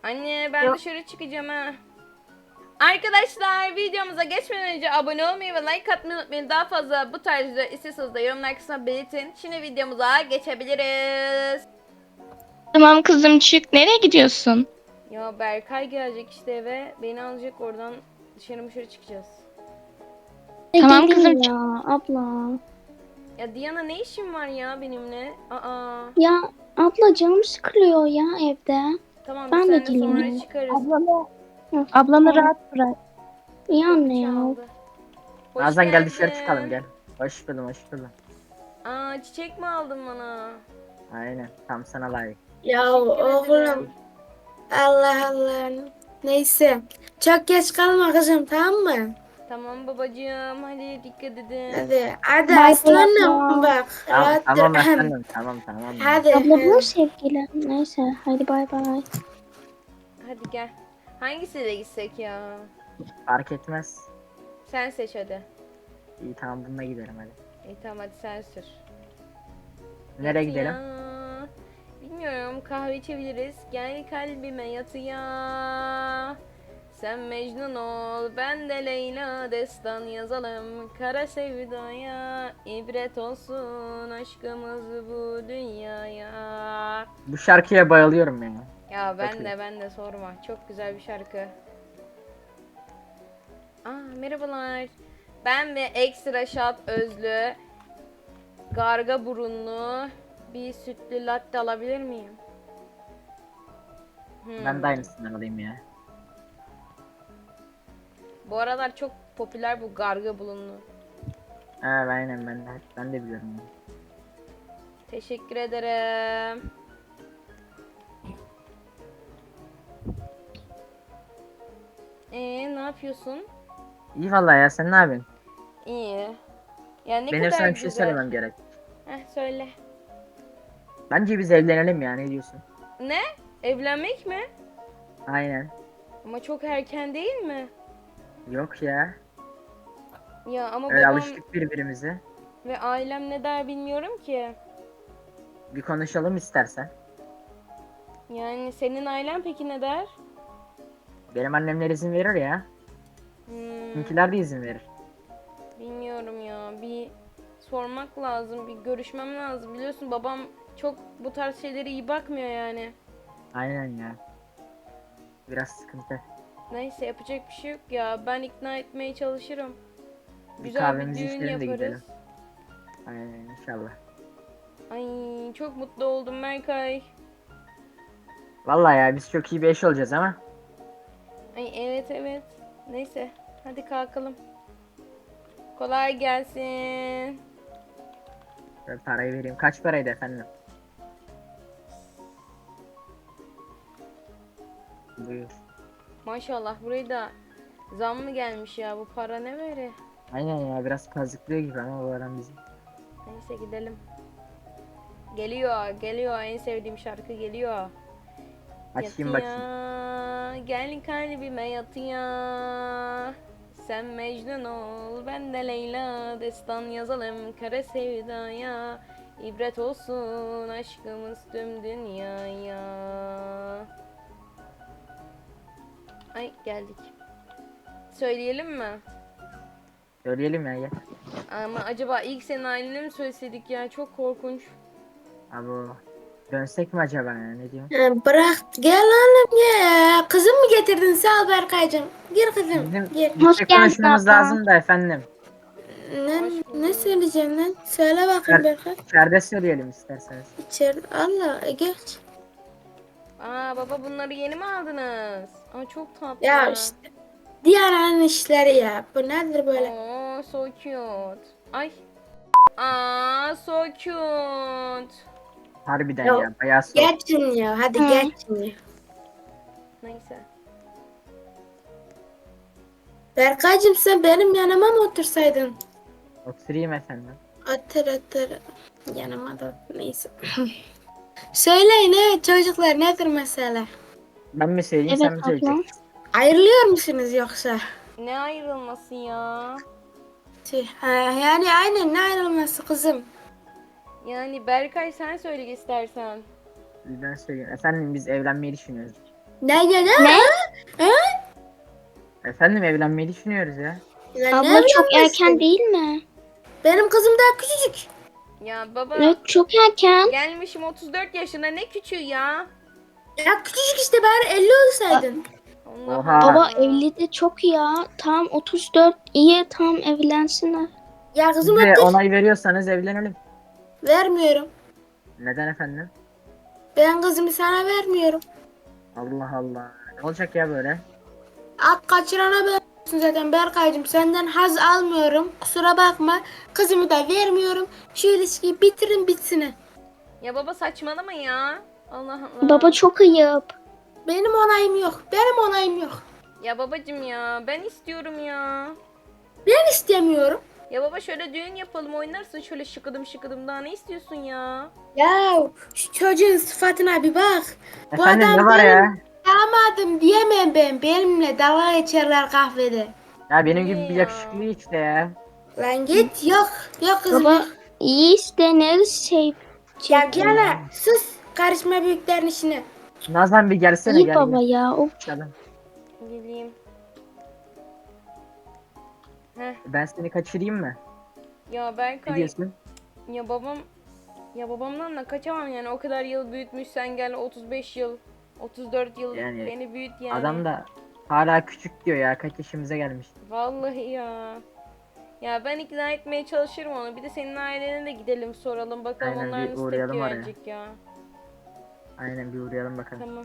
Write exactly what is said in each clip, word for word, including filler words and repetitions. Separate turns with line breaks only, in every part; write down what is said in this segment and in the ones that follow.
Anne ben
Yok.
dışarı çıkacağım ha. Arkadaşlar videomuza geçmeden önce abone olmayı ve like atmayı unutmayın. Daha fazla bu tarz videolar istiyorsanız da yorumlar kısmına belirtin. Şimdi videomuza geçebiliriz.
Tamam kızım çık. Nereye gidiyorsun?
Ya Berkay gelecek işte eve. Beni alacak, oradan dışarı dışarı çıkacağız.
Tamam
Gelin
kızım,
ya abla.
Ya Diana ne işin var ya benimle? Aa.
Ya abla canım sıkılıyor ya evde.
Tamam biz
Ben de
seninle sonra
geleyim.
çıkarız.
Ablanı,
Hı,
ablanı
tamam.
rahat bırak.
İyi
Kapı
anne ya.
çaldı. Hoş
Nazan gel dışarı
geldin.
çıkalım gel. Hoş buldum hoş buldum.
Aa, çiçek mi aldın bana?
Aynen tam sana layık.
Ya
Teşekkür
oğlum
ederim.
Allah Allah. Neyse. Çok geç kalma kızım, tamam mı?
Tamam babacığım, hadi dikkat edin.
Hadi hadi
Bye
aslanım
abla.
bak.
Tamam,
Rahat
tamam
dur.
efendim tamam tamam.
Hadi.
Abla bu
hadi.
sevgilim. Neyse hadi bay bay.
Hadi gel. Hangisiyle gitsek ya?
Fark etmez.
Sen seç hadi.
İyi tamam bununla gidelim hadi.
İyi tamam hadi sen sür.
Nereye
Yatıya.
gidelim?
Bilmiyorum, kahve içebiliriz. Gel kalbime yatıya. Sen Mecnun ol, ben de Leyla, destan yazalım kara sevdaya. İbret olsun aşkımız bu dünyaya.
Bu şarkıya bayılıyorum ya.
Ya ben
Bakayım.
de ben de sorma. Çok güzel bir şarkı. Aa, merhabalar. Ben ve ekstra şat özlü, garga burunlu bir sütlü latte alabilir miyim? Hmm.
Ben de aynısından alayım ya.
Bu aralar çok popüler bu garga burunlu.
Ha aynen ben de ben de biliyorum ya.
Teşekkür ederim. Ee, ne yapıyorsun?
İyi vallahi ya sen ne yapıyorsun?
İyi. Ya ne
Benim
kadar
sana bir şey
güzel.
söylemem gerek.
Heh, söyle.
Bence biz evlenelim ya ne diyorsun?
Ne? Evlenmek mi?
Aynen.
Ama çok erken değil mi?
Yok ya.
Ya ama
Öyle
babam
alıştık birbirimize.
ve ailem ne der bilmiyorum ki.
Bir konuşalım istersen.
Yani senin ailen peki ne der?
Benim annemler izin verir ya.
Hmm,
Bizimkiler de izin verir.
bilmiyorum ya. Bir sormak lazım, bir görüşmem lazım. Biliyorsun babam çok bu tarz şeylere iyi bakmıyor yani.
Aynen ya. Biraz sıkıntı.
Neyse yapacak bir şey yok ya. Ben ikna etmeye çalışırım.
Bir
Güzel bir
kahvemizi
düğün
içelim de
yaparız.
gidelim. Aynen inşallah.
Ay çok mutlu oldum Berkay.
Vallahi ya biz çok iyi bir eş olacağız ama.
Ay evet evet. Neyse hadi kalkalım. Kolay gelsin.
Ben parayı vereyim. Kaç paraydı efendim? Buyur.
Maşallah buraya da zam mı gelmiş ya, bu para ne böyle?
Aynen ya biraz kazıklıyor gibi ama bu adam bizi.
Neyse gidelim. Geliyor geliyor, en sevdiğim şarkı geliyor.
Açayım bakayım.
Yatıya, gel kalbime yatıya. Sen Mecnun ol, ben de Leyla, destan yazalım kara sevdaya. İbret olsun aşkımız tüm dünyaya. Ay geldik. Söyleyelim mi?
Söyleyelim ya gel.
Ama acaba ilk senin ailene mi söyleseydik ya, çok korkunç.
Abi dönsek mi acaba ya ne diyorsun?
Ha, bırak gel oğlum ya. Kızım mı getirdin? Sağ ol Berkaycığım. Gir kızım
Bizim
gir.
Hoş
bir
geldin
konuşmamız
abla.
lazım da efendim.
Ne,
Hoş bulduk.
ne söyleyeceğim lan? Söyle bakayım
İçer,
Berkay.
içeride söyleyelim isterseniz.
İçeri. Allah e, geç.
Aa baba, bunları yeni mi aldınız? Aa çok tatlı.
Ya işte. Diğer anın işleri ya. Bu nedir böyle?
Oh, so cute. Ay. Aa, so cute.
Harbiden
Ya,
ya bayağı soğuk.
Geçin ya. Hadi
Hı.
geçin ya.
Neyse.
Berkaycığım sen benim yanıma mı otursaydın?
Oturayım efendim.
Otur otur. Yanıma da otur. Neyse. Söyleyin evet çocuklar, nedir mesele?
Ben mi söyleyeyim
Evet
sen mi
abla.
söyleyeceksin?
Ayrılıyor musunuz yoksa?
Ne ayrılması ya?
Tüh, ha, yani aynen, ne ayrılması kızım?
Yani Berkay sen söyle istersen.
Ben söyleyeyim. Efendim biz evlenmeyi düşünüyoruz.
Ne ne ne?
Ne?
Efendim evlenmeyi düşünüyoruz ya.
Lan ne
Abla çok
evlenmesi?
erken değil mi?
Benim kızım daha küçücük.
Ya baba
Evet çok erken.
gelmişim otuz dört yaşına, ne küçüğü ya.
Ya küçücük işte, bari elli olsaydın.
Allah
Oha.
Allah.
Baba evli de çok ya. Tam otuz dört iyi tam evlensinler.
Ya
Siz
kızım
de
öptür.
onay veriyorsanız evlenelim.
Vermiyorum.
Neden efendim?
Ben kızımı sana vermiyorum.
Allah Allah. Ne olacak ya böyle?
At kaçırana veriyorsun zaten Berkaycığım. Senden haz almıyorum. Kusura bakma. Kızımı da vermiyorum. Şu ilişkiyi bitirin bitsin.
Ya baba saçmalama ya. Allah Allah.
Baba çok ayıp.
Benim onayım yok. Benim onayım yok.
Ya babacım ya, ben istiyorum ya.
Ben istemiyorum.
Ya baba şöyle düğün yapalım, oynarsın şöyle şıkıdım şıkıdım, daha ne istiyorsun ya?
Ya şu çocuğun sıfatına bir bak. Bu
Efendim
adam
ne var
benim
ya?
damadım diyemem ben. Benimle dalga geçerler kahvede.
Ya benim
Niye
gibi bir
ya?
yakışıklı işte ya.
Lan git, yok. Yok kızım.
Baba
yok.
iyi işte neresi şey.
Ya
çirkin.
gene sus. Karışma büyüklerin işine.
Nazan bir gelsene
İyi
gel.
baba
gel.
ya. Of.
Canım,
Geleyim. Heh,
ben seni kaçırayım mı?
ya
Ne
Berkay,
diyorsun?
ya babam, ya babamdan da kaçamam yani, o kadar yıl büyütmüş, sen gel otuz beş yıl, otuz dört yıl
Yani
beni büyüt yani.
Adam da hala küçük diyor ya. Kaç yaşımıza gelmiş.
Vallahi ya. Ya ben ikna etmeye çalışırım onu. Bir de senin ailene de gidelim soralım bakalım,
Aynen,
onlar
bir
nasıl
uğrayalım
tepki
oraya.
verecek ya.
Aynen bir uğrayalım bakalım.
Tamam.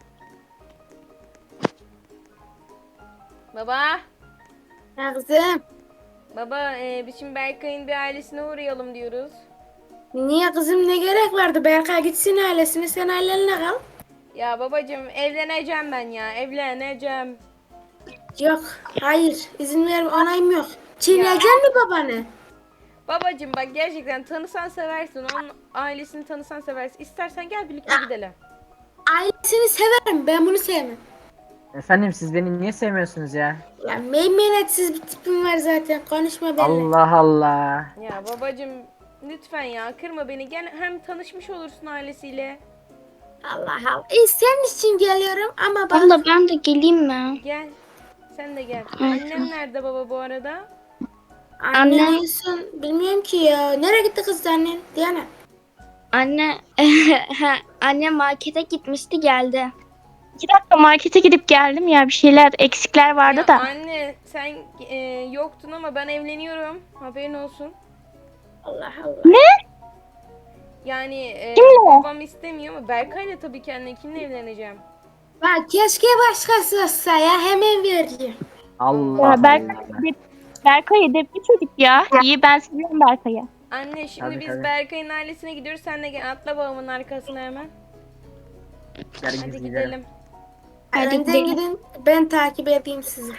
Baba.
Ya kızım.
Baba e, biz şimdi Berkay'ın bir ailesine uğrayalım diyoruz.
Niye kızım, ne gerek vardı? Berkay gitsin ailesine, sen ailenle kal.
Ya babacığım evleneceğim ben ya, evleneceğim.
Yok, hayır. İzin ver, onayım yok. Çiğneyeceksin mi babanı?
Babacığım bak, gerçekten tanısan seversin, onun ailesini tanısan seversin. İstersen gel birlikte gidelim.
Ailesini severim, ben bunu sevmem.
Efendim siz beni niye sevmiyorsunuz ya?
Ya meymenetsiz bir tipim var zaten, konuşma benimle.
Allah Allah.
Ya babacığım lütfen ya, kırma beni, gel hem tanışmış olursun ailesiyle.
Allah Allah. E, senin için geliyorum ama bak.
Abla ben de geleyim mi?
Gel. Sen de gel.
Hı.
Annem nerede baba bu arada?
Annen
Anne.
en son bilmiyorum ki ya. Nereye gitti kız annen? Diana.
Anne anne markete gitmişti geldi. İki dakika markete gidip geldim ya, bir şeyler eksikler vardı
Ya
da.
anne sen e, yoktun ama ben evleniyorum. Haberin olsun.
Allah Allah.
Yani e,
Kimle?
babam istemiyor ama Berkay'la tabii ki, anne kimle evleneceğim?
Bak keşke başkası olsa ya, hemen vereceğim.
Allah
Ya Berk-
Allah.
Berkay edepli çocuk ya. İyi, ben seviyorum Berkay'ı.
Anne şimdi
Tabii,
biz
tabii.
Berkay'ın ailesine gidiyoruz. Sen de gel, atla babamın arkasına hemen.
Gel biz
Hadi
gidelim.
gidelim.
Hadi
Önden
gidelim.
gidin, ben takip edeyim sizi.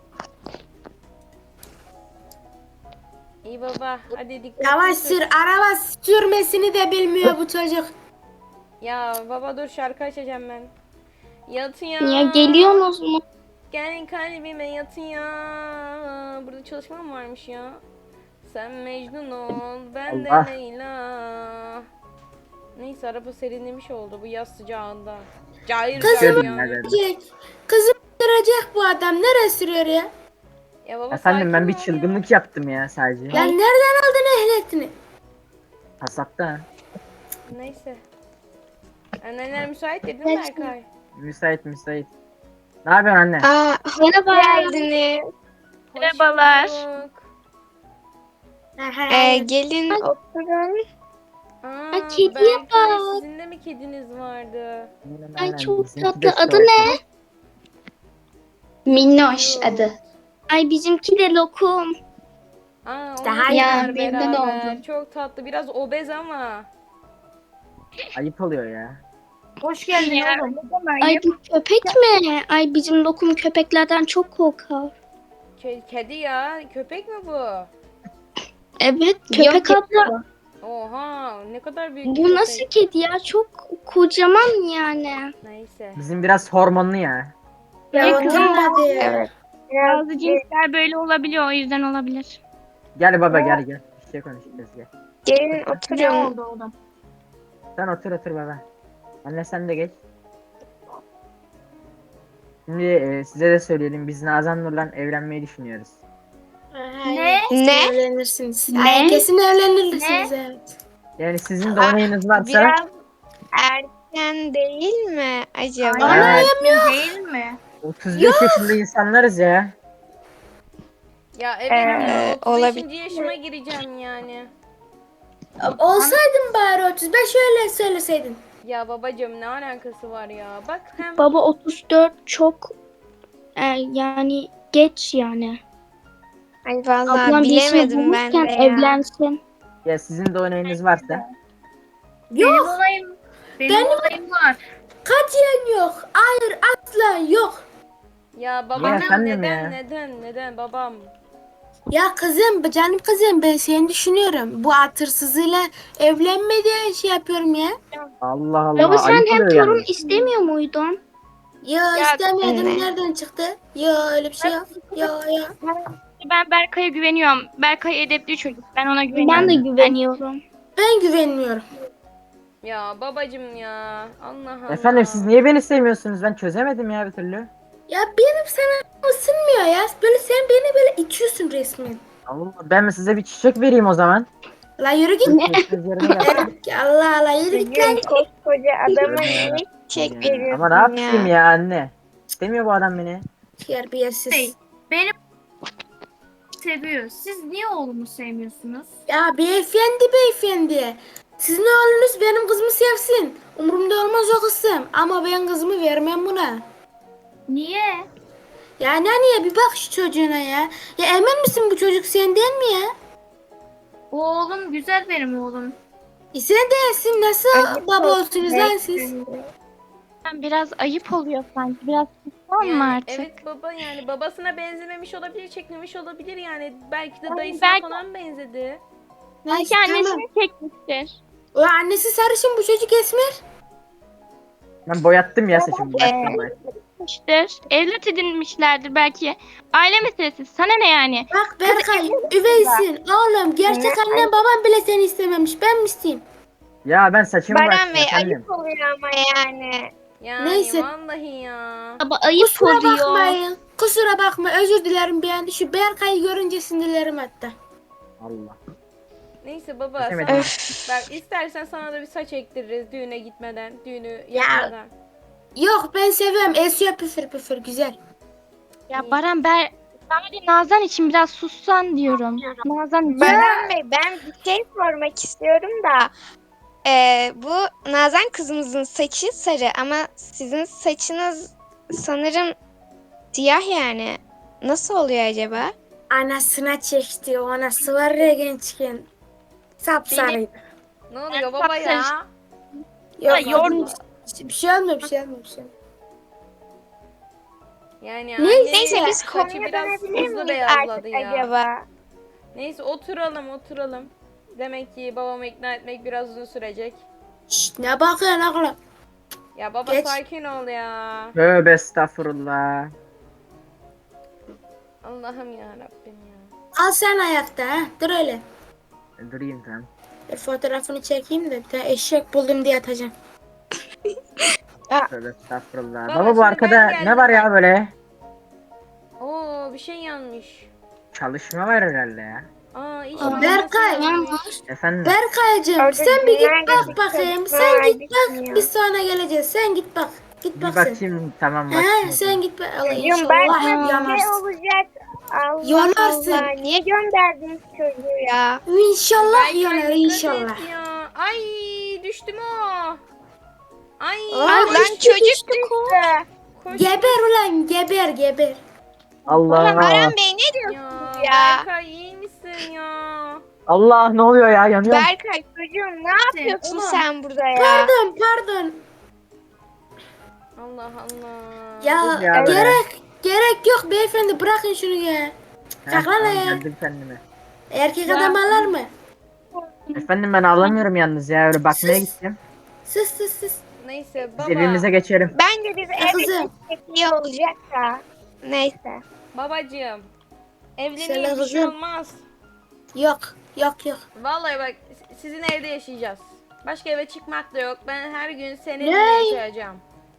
İyi baba. Hadi dikkat.
Yavaş sür, araba sürmesini de bilmiyor bu çocuk.
Ya baba dur, şarkı açacağım ben. Yatın ya.
Ya geliyorsunuz mu?
Gel kalbime yatın ya. Burada çalışma mı varmış ya? Sen Mecnun ol, ben
Allah.
de Leyla. Neyse, araba serinlemiş oldu bu yaz sıcağında. Cayır
Kızım.
cayır
Gördüm ya,
yani.
gördüm.
Gelecek. Kızım sürecek bu adam. Nereye sürüyor ya?
Ya baba
Efendim ben
sakin
bir
ol ya.
çılgınlık yaptım ya sadece.
Lan nereden aldın ehliyetini?
Pasakta.
Neyse. Anneler müsait dedin mi Berkay?
Müsait müsait. Ne yapıyorsun anne?
Aa,
Merhaba.
geldiniz.
Hoş
Merhabalar.
bulduk.
Ee,
gelin oturun.
Aa,
Ay, kediye
Berkay,
bak.
sizin de mi kediniz vardı?
Aynen,
Ay
aynen.
çok
Bizimki
tatlı.
de
Adı
şort.
ne?
Minnoş
Cute.
adı.
Ay bizimki de lokum.
Aa,
Daha
onlar
ya,
var
memnun
beraber.
oldum.
Çok tatlı. Biraz obez ama.
Ayıp oluyor ya.
Hoş geldin oğlum.
Ay bu köpek mi? Ay bizim lokum köpeklerden çok korkar.
Ke- kedi ya. Köpek mi bu?
Evet köpek abla.
Oha, ne kadar büyük bir
Bu
köpek.
nasıl kedi ya? Çok kocaman yani.
Neyse.
Bizim biraz hormonlu ya.
Ya
Ne
oturun
kızım?
hadi ya.
Evet.
Bazı cinsler böyle olabiliyor, o yüzden olabilir.
Gel baba gel gel. Bir şey konuşacağız gel.
Gelin oturun.
Sen otur otur baba. Anne sen de geç. Şimdi e, size de söyleyelim, biz Nazan Nur'la evlenmeyi düşünüyoruz.
Ne?
Ne?
Evlenirsiniz.
Ne?
Ay, kesin evlenirsiniz evet.
Yani sizin de onayınız varsa
Biraz erken değil mi acaba?
Ana,
Değil mi?
otuz beş yaşında insanlarız ya.
Ya evet
Ee,
ya otuz beşinci
olabilir.
yaşıma gireceğim yani.
Olsaydın bari otuz beş öyle söyleseydin.
Ya babacığım ne alakası var ya? Bak hem
Baba otuz dört çok e, yani geç yani.
Ay vallahi
Ablam bir işini
bilemedim ben de
bulurken
ya.
evlensin.
Ya sizin de onayınız varsa.
Benim olayım. Benim,
Benim-
olayım var.
Katiyen yok. Hayır asla yok.
ya babam
efendim
neden
ya.
neden neden babam?
Ya kızım, canım kızım ben seni düşünüyorum. Bu atırsızıyla evlenme diye şey yapıyorum ya.
Allah Allah.
Baba sen
ayıp
hem
oluyor
torun
yalnız.
istemiyor muydun?
Ya,
Ya
istemiyordum.
anne.
Nereden çıktı? Ya öyle bir şey yok. Ya ya.
Ben Berkay'a güveniyorum. Berkay edepli çocuk. Ben ona güveniyorum.
Ben de güveniyorum.
Ben güvenmiyorum.
Ya babacığım ya. Allah Allah.
Efendim siz niye beni sevmiyorsunuz? Ben çözemedim ya bir türlü.
Ya benim sana ısınmıyor ya. Böyle sen beni böyle itiyorsun resmen.
Allah, ben mi size bir çiçek vereyim o zaman?
La yürü git.
Çiçeğiniz yerine yapın.
Allah Allah yürü git lan.
Bugün koskoca adama
Ya.
niye çiçek
Ya,
veriyorsun
Ama ne yapayım
ya?
ya anne? İstemiyor bu adam beni.
Terbiyesiz.
Hey. Benim seviyor. Siz niye oğlumu sevmiyorsunuz?
Ya beyefendi beyefendi. Sizin oğlunuz benim kızımı sevsin. Umurumda olmaz o kızım. Ama ben kızımı vermem buna.
Niye?
Ya niye bir bak şu çocuğuna ya. Ya emin misin bu çocuk senden mi ya?
O oğlum güzel benim oğlum.
E sen değilsin. Nasıl
Ayıp
baba
olsun
olsunuz lan siz?
Biraz ayıp oluyor sanki. Biraz susar
Yani,
mı artık?
evet baba yani babasına benzememiş olabilir, çekmemiş olabilir yani. Belki de
Ay,
dayısına
belki-
falan benzedi.
Neyse,
Belki
tamam.
annesini çekmiştir.
O annesi sarışın bu çocuk esmer.
Ben boyattım ya saçımı boyattım ben.
İşte evlat edinmişlerdir belki. Aile meselesi. Sana ne yani?
Bak Berkay üveysin. Oğlum gerçek annen babam bile seni istememiş. Ben mi isteyeyim?
Ya ben saçımı
Baran
boyattım
Bey
efendim.
ayıp oluyor ama yani.
Yani
Neyse.
vallahi ya.
Baba ayıp
Kusura
oluyor.
bakmayın. Kusura bakma özür dilerim bir an. Şu Berkay'ı görünce sinirlerim hatta.
Allah.
Neyse baba
Kesemedim.
sana,
Öf.
bak istersen sana da bir saç ektiririz düğüne gitmeden, düğünü yapmadan.
Yok ben seviyorum. Esiyor püfür püfür güzel.
Ya Baran ben sadece Nazan için biraz sussan diyorum. Nazan için.
Baran Bey ben bir şey sormak istiyorum da. Ee, bu Nazan kızımızın saçı sarı ama sizin saçınız sanırım siyah yani. Nasıl oluyor acaba?
Anasına çekti. O anası var ya gençken. Sapsarıydı.
Ne oluyor baba ya?
Yok,
Ya, yormuş.
Bir şey olmuyor bir şey olmuyor bir şey olmuyor.
Yani
Neyse,
annenin
Neyse biz
saçı
konuya
biraz
dönebilir
hızlı
miyiz
beyazladı
artık
ya.
acaba?
Neyse oturalım oturalım. Demek ki babamı ikna etmek biraz uzun sürecek.
Şşt ne bakıyorsun oğlum?
Ya baba
Geç.
sakin ol ya.
Tövbe estağfurullah.
Allah'ım ya Rabbim ya.
Al sen ayakta ha. Dur öyle.
Durayım tamam.
Bir fotoğrafını çekeyim de bir tane eşek buldum diye atacağım.
Tövbe estağfurullah.
Baba,
Baba
şimdi
bu
ben
arkada
geldim.
ne var ya böyle?
Oo bir şey yanlış.
Çalışma var herhalde ya.
Aa iş
Aa,
makinesi
Berkay.
yanmış.
Efendim.
Berkay'cığım
Orada
sen bir git
günler
bak
geçti,
bakayım.
çocuklar
Sen git bak
acıkmıyor.
biz sonra geleceğiz. Sen git bak. Git
Bir
bak sen.
bakayım tamam
He
bakayım.
sen git bak. Allah
Çocuğum
inşallah
belki bir şey
yanarsın.
olacak. Allah
Yanarsın.
Allah. Niye gönderdiniz çocuğu ya?
İnşallah
Berkay,
yanar
dikkat
inşallah.
et ya. Ay düştü mü o? Ay.
Aa,
Lan
düştü,
çocuk
düştü.
düştü.
koş.
Geber ulan geber geber.
Allah.
Baran Bey ne
Ya,
diyorsunuz ya?
Berkay iyi misin ya?
Allah ne oluyor ya yanıyorum.
Berkay çocuğum ne yapıyorsun
Oğlum.
sen burada ya?
Pardon pardon.
Allah Allah.
Ya,
Dur ya be.
gerek gerek yok beyefendi bırakın şunu ya.
Heh,
Kalk lan
tamam,
ayağa.
geldim kendime.
Erkek adam ağlar mı?
Efendim ben ağlamıyorum yalnız ya öyle bakmaya
Sus.
gittim.
Sus sus sus.
Neyse
Biz
baba.
evimize geçelim.
Bence biz eve
kızım.
gitsek iyi olacak da. Neyse.
Babacığım.
Selam
Evleneyim bir şey
kızım.
olmaz.
Yok yok yok.
Vallahi bak sizin evde yaşayacağız. Başka eve çıkmak da yok. Ben her gün seninle
Ne?
yaşayacağım.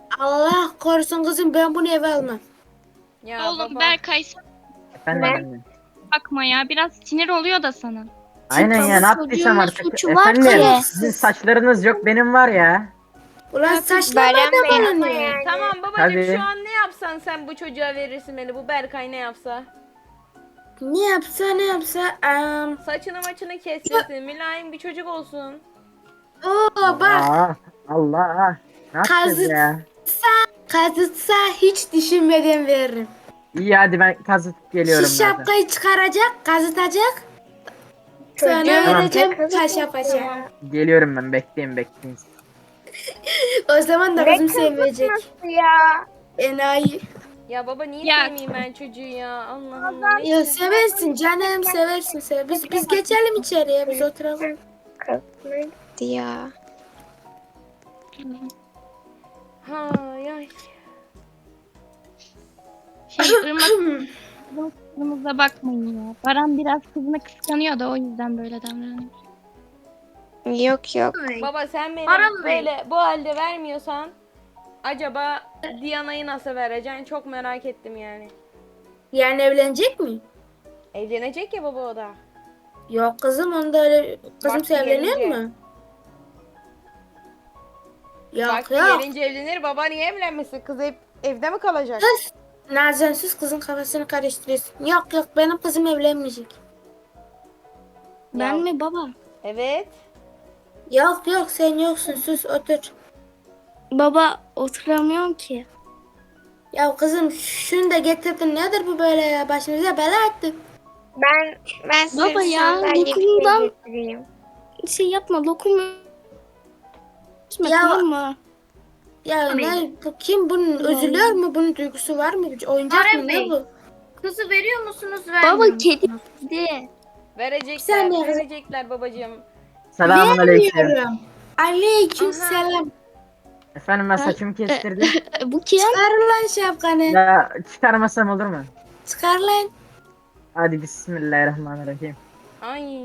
Allah korusun kızım, ben bunu eve almam.
Ya
Oğlum
baba.
Berkay sen
Efendim
Ne?
anne.
bakma ya. Biraz sinir oluyor da sana.
Aynen ya, ne
Çocuğun
yaptıysam artık.
suçu var
Efendim
ki.
sizin saçlarınız yok, benim var ya.
Ulan saçlarına
Bayram
da
Bey
bana
ama
ne?
yani.
Tamam babacığım,
Tabii.
şu an ne yapsan sen bu çocuğa verirsin beni. Bu Berkay ne yapsa?
Ne yapsa ne yapsa. Am,
Saçını maçını kestirsin. Mülayim bir çocuk olsun.
Oo bak,
Aa, Allah. Ne yapacağız
Kazık.
ya?
kazıtsa hiç düşünmeden veririm.
İyi hadi ben kazıtıp geliyorum
Şu
zaten.
şapkayı çıkaracak, kazıtacak. Sonra
Çocuğun
vereceğim
kazık
paşa paşa.
ya.
Geliyorum ben, bekleyin bekleyin.
O zaman da
Ne
kızım sevecek.
kızıtması ya?
Enayi.
Ya baba niye
Ya-
sevmeyeyim ben çocuğu ya? Allah Allah.
Ya
neyse.
seversin canım, seversin sever. Biz biz geçelim içeriye, biz oturalım.
Kızına gitti ya.
Hay ay.
Şey Irmak kızımıza bakmayın ya. Baran biraz kızını kıskanıyor da o yüzden böyle davranıyor.
Yok yok.
Baba sen beni
Aram Bey.
böyle bu halde vermiyorsan acaba Diana'yı nasıl vereceksin? Çok merak ettim yani.
Yani evlenecek mi?
Evlenecek ya baba o da.
Yok kızım, onda öyle kızım
Vakti
evleniyor
gelince.
mu? Yok
Vakti
yok.
gelince evlenir, baba niye evlenmesin? Kız hep evde mi kalacak?
Nazensiz kızın kafasını karıştırıyorsun. Yok yok, benim kızım evlenmeyecek.
Ben
Ya-
mi baba?
Evet.
Yok yok, sen yoksun, sus otur.
Baba oturamıyorum ki.
Ya kızım, şunu da getirdin, nedir bu böyle ya, başımıza bela ettin.
Ben ben size
Baba
bir
ya,
sandalye bir şey
dokundan-
getireyim.
Şey yapma, lokum. Gitme,
Ya-
tamam mı?
Ya ne bu, kim bunun üzülüyor mu, bunun duygusu var mı, oyuncak mı, ne bu?
Kızı veriyor musunuz, vermiyor
Baba
musunuz?
kedi de.
Verecekler,
Sen ne-
verecekler babacığım.
Selamun aleyküm.
Vermiyorum. Aleyküm
Aha.
selam.
Efendim ben saçımı kestirdim.
E, Bu kim?
Çıkar lan şapkanı.
Ya çıkarmasam olur mu?
Çıkar lan.
Hadi bismillahirrahmanirrahim.
Ay.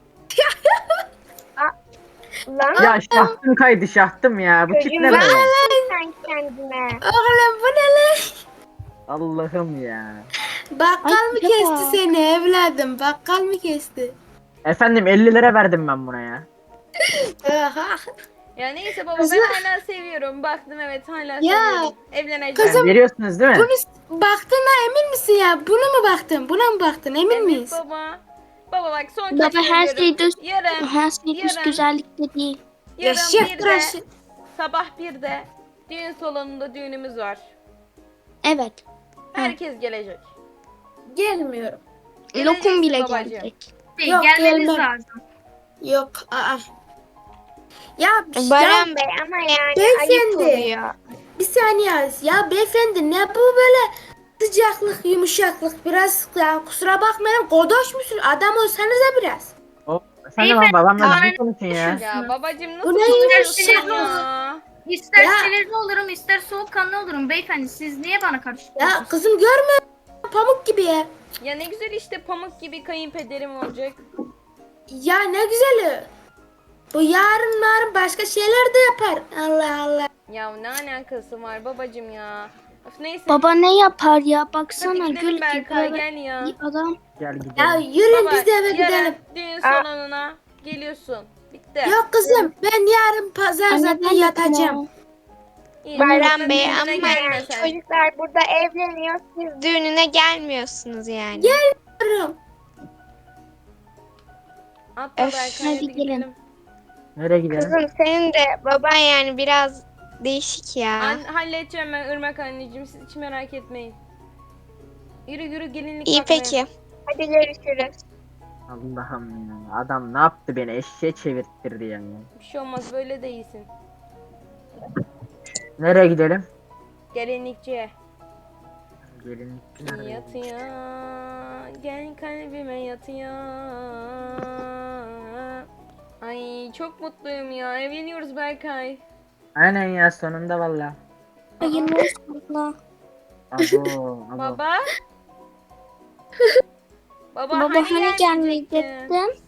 Lan
Ya şahtım kaydı, şahtım ya. Bu tip
çocuğum
ne
var
böyle?
sen kendine.
Oğlum bu ne lan?
Allah'ım ya.
Bakkal
Ay,
mı
bir
kesti
defa.
seni evladım? Bakkal mı kesti?
Efendim elli lira verdim ben buna ya.
Aha.
Ya neyse baba,
Kızım-
ben hala seviyorum. Baktım evet, hala
Ya,
seviyorum. Evleneceğim.
kızım-
Veriyorsunuz değil mi?
Bunu baktığına emin misin ya? Buna mı baktın? Buna mı baktın? Emin
Evet
miyiz?
baba. Baba bak son
Baba
kez
her
söylüyorum.
şey düz,
Yarın,
her şey düz
yarın.
güzellikte değil.
Ya
yarın
şef
bir de,
tıraşı.
sabah birde düğün salonunda düğünümüz var.
Evet.
Herkes gelecek.
Gelmiyorum.
Lokum bile
babacığım.
gelecek.
Değil,
Yok,
gelmeniz
gelmem.
lazım.
Yok. Aa. Ya, ya
Baran Bey ama yani
Beyefendi.
ayıp oluyor.
bir saniye. Ya beyefendi, ne bu böyle sıcaklık, yumuşaklık, biraz ya, kusura bakmayın, godoş musun? Adam olsanıza biraz.
Oh, efendim ama babamla
Beyefendi,
düzgün konuşun ya.
Ya babacım nasıl
Bu ne
konuşuyorsun
yumuşak
ya?
İster
Ya.
sinirli olurum, ister soğukkanlı olurum beyefendi. Siz niye bana
Ya
karıştırıyorsunuz?
kızım, görmüyor musun? Pamuk gibi ya.
Ya ne güzel işte, pamuk gibi kayınpederim olacak.
Ya ne güzeli. Bu yarın yarın başka şeyler de yapar. Allah Allah.
Ya ne alakası var babacım ya? Of neyse.
Baba ne yapar ya?
Hadi
Baksana
gidelim
gül
Berkay,
gibi
gel ya.
bir adam.
Gel gidelim.
Ya yürüyün,
Baba
biz de eve
yarın
gidelim.
düğün salonuna geliyorsun. Bitti.
Yok kızım, ben yarın pazar
Anne,
zaten
ben de
yatacağım.
tamam.
İyi,
Baran
babacığım,
Bey
düğününe
ama
gelme
yani
sen.
çocuklar burada evleniyor. Siz düğününe gelmiyorsunuz yani.
Yürüyorum.
Atla
Öf,
Berkay,
hadi
hadi
gelin.
gidelim.
Nereye gidelim?
Kızım senin de baban yani biraz değişik ya.
An halledeceğim ben Irmak anneciğim, siz hiç merak etmeyin. Yürü yürü, gelinlik
İyi
bakmaya.
peki. Hadi görüşürüz.
Allah'ım ya. Adam ne yaptı, beni eşeğe çevirttirdi yani.
Bir şey olmaz, böyle de iyisin.
Nereye gidelim?
Gelinlikçiye.
Gelin. nereye?
Yatıyor, gel kalbime yatıyor. Ay çok mutluyum ya, evleniyoruz Berkay.
Aynen ya, sonunda valla.
Hayırlı olsun abla.
Abo, abo.
Baba. Baba,
Baba hani
gelmeyecektin?
gelmeyecektin?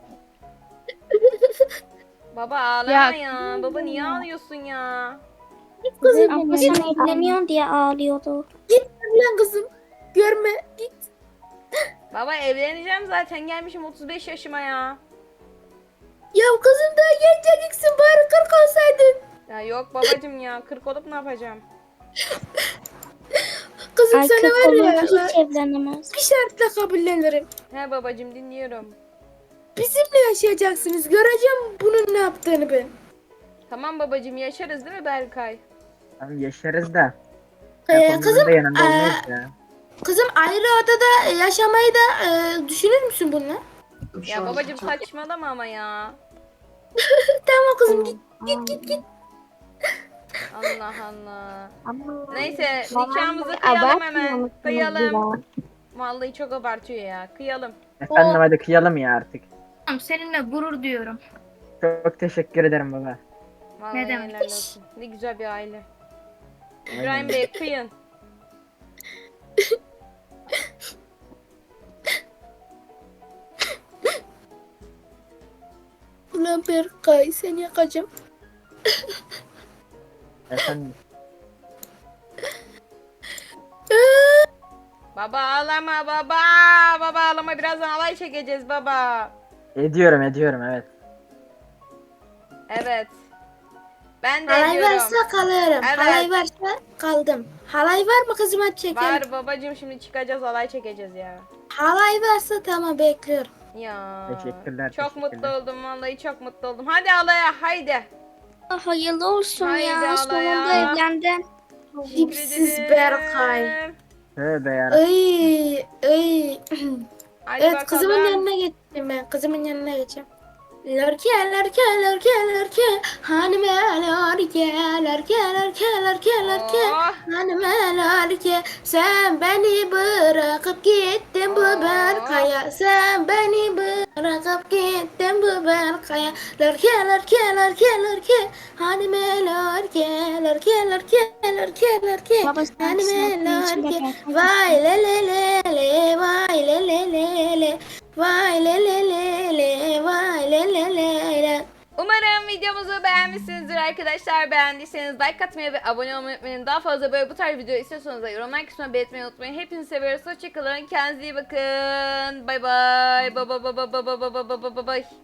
Baba ağlama ya.
Ya-
Baba niye ağlıyorsun ya?
Kızım
Abla
git
sen evleniyorsun diye ağlıyordu.
lan kızım. Görme git.
Baba evleneceğim zaten, gelmişim otuz beş yaşıma ya.
Ya kızım daha genceciksin bari kırk olsaydın.
Ya yok babacım ya, kırk olup ne yapacağım?
Kızım
Ay
sana
kırk
var ya
olunca hiç evlenemez.
bir şartla kabullenirim.
He babacım, dinliyorum.
Bizimle yaşayacaksınız. Göreceğim bunun ne yaptığını ben.
Tamam babacım, yaşarız değil mi Berkay?
Tamam yaşarız da.
Ee,
Telefonların
kızım,
da yanında
ee,
olmayız ya.
Kızım ayrı odada yaşamayı da e, düşünür müsün bununla?
Ya babacım saçmalama ama ya.
Tamam kızım git git git git.
Allah Allah.
Ama
Neyse
babam
nikahımızı
da
kıyalım
abartmıyor
hemen.
musunuz
Kıyalım.
ya?
Vallahi çok abartıyor ya. Kıyalım.
Efendim hadi kıyalım ya artık.
Tamam, seninle gurur duyuyorum.
Çok teşekkür ederim baba.
Vallahi
Ne demek?
helal olsun. Ne güzel bir aile. İbrahim Bey kıyın.
Ulan Berkay seni yakacağım.
Efendim.
Baba ağlama baba. Baba ağlama, birazdan alay çekeceğiz baba.
Ediyorum ediyorum evet.
Evet. Ben de
Halay
diyorum.
varsa kalıyorum.
Evet.
Halay varsa kaldım. Halay var mı kızım hadi çekelim.
Var babacım, şimdi çıkacağız alay çekeceğiz ya.
Halay varsa tamam bekliyorum.
Ya.
Teşekkürler,
Çok
teşekkürler.
mutlu oldum vallahi, çok mutlu oldum. Hadi alaya haydi.
Ah, hayırlı olsun
Haydi
ya.
Allah
Sonunda
ya.
evlendin.
Tipsiz
Teşekkür
Berkay.
ederim.
Tövbe ya.
Ay ay.
Hadi
Evet
bakalım.
kızımın yanına geçtim ben. Kızımın yanına geçeceğim. Lörke lörke lörke lörke hanime lörke lörke lörke lörke lörke
Oh.
hanime lörke sen beni bırakıp gittin bu
Oh.
Berkay'a sen beni bırakıp gittin bu Berkay'a lörke lörke lörke lörke hanime lörke lörke lörke lörke lörke
Baba sen
hanime
sınıfın içinde
lörke
Berkay.
vay le le le le vay le le le le vay le le le le vay le le le le.
Umarım videomuzu beğenmişsinizdir arkadaşlar. Beğendiyseniz like atmayı ve abone olmayı unutmayın. Daha fazla böyle bu tarz video istiyorsanız da yorumlar kısmına belirtmeyi unutmayın. Hepinizi seviyoruz. Hoşçakalın. Kendinize iyi bakın. Bay bay. Bay bay bay bay bay bay bay bay bay.